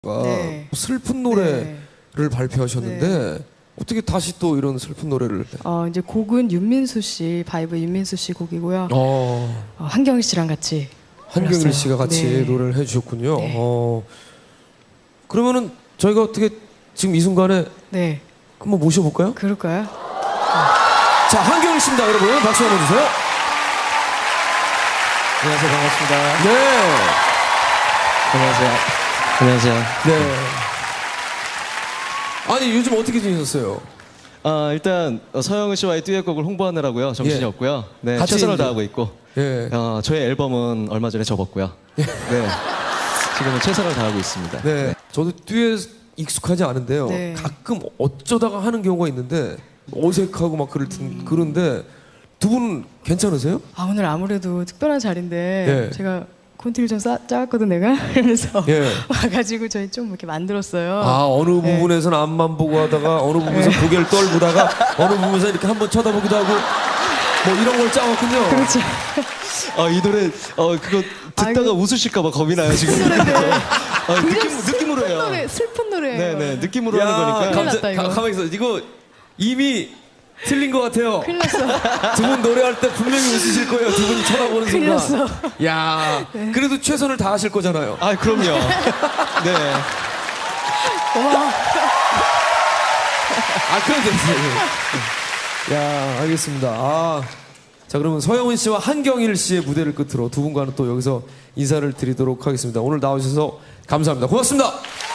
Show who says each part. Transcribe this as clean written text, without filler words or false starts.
Speaker 1: 네.
Speaker 2: 슬픈 노래를 발표하셨는데 어떻게 다시 또 이런 슬픈 노래를?
Speaker 1: 이제 곡은 윤민수 씨, 바이브 윤민수 씨 곡이고요. 한경희 씨랑 같이
Speaker 2: 한경일
Speaker 1: 불렀어요.
Speaker 2: 씨가 같이
Speaker 1: 네.
Speaker 2: 노래를 해주셨군요.
Speaker 1: 네.
Speaker 2: 그러면은 저희가 어떻게 지금 이 순간에
Speaker 1: 네,
Speaker 2: 한번 모셔볼까요?
Speaker 1: 그럴까요?
Speaker 2: 자, 한경일 씨입니다, 여러분. 박수 한번 주세요.
Speaker 3: 안녕하세요. 반갑습니다.
Speaker 2: 네.
Speaker 3: 안녕하세요. 안녕하세요.
Speaker 2: 네. 아니, 요즘 어떻게 지내셨어요?
Speaker 3: 일단 서영은 씨와의 듀엣곡을 홍보하느라고요. 정신이
Speaker 2: 예.
Speaker 3: 없고요. 네,
Speaker 2: 같이
Speaker 3: 최선을
Speaker 2: 이제-
Speaker 3: 다하고 있고.
Speaker 2: 예.
Speaker 3: 저희 앨범은 얼마 전에 접었고요. 네. 지금은 최선을 다하고 있습니다.
Speaker 2: 네. 저도 듀엣 익숙하지 않은데요.
Speaker 1: 네.
Speaker 2: 가끔 어쩌다가 하는 경우가 있는데 어색하고 막 그런데 두 분 괜찮으세요?
Speaker 1: 오늘 아무래도 특별한 자리인데
Speaker 2: 예.
Speaker 1: 제가 콘티를 좀 짜왔거든 내가 이러면서
Speaker 2: 예.
Speaker 1: 와가지고 저희 좀 이렇게 만들었어요.
Speaker 2: 어느
Speaker 1: 네.
Speaker 2: 부분에서는 앞만 보고 하다가 어느 부분에서 고개를 떨구다가 어느 부분에서 이렇게 한번 쳐다보기도 하고 뭐 이런 걸 짜왔군요.
Speaker 1: 그렇죠.
Speaker 3: 이 노래 그거 듣다가
Speaker 1: 아이고.
Speaker 3: 웃으실까 봐 겁이 나요 지금. 느낌으로 해요.
Speaker 1: 슬픈 노래.
Speaker 3: 네네 느낌으로 하는 거니까.
Speaker 1: 큰일 났다, 이거.
Speaker 2: 가만히 있어. 이거 이미 틀린 것 같아요.
Speaker 1: 큰일 났어.
Speaker 2: 두 분 노래할 때 분명히 웃으실 거예요. 두 분이 쳐다보는
Speaker 1: 큰일
Speaker 2: 순간.
Speaker 1: 났어.
Speaker 2: 야, 그래도 최선을 다하실 거잖아요.
Speaker 3: 그럼요. 네.
Speaker 1: 고마워.
Speaker 2: 그래도 됐어요. 야, 알겠습니다. 자, 그러면 서영은 씨와 한경일 씨의 무대를 끝으로 두 분과는 또 여기서 인사를 드리도록 하겠습니다. 오늘 나오셔서 감사합니다. 고맙습니다.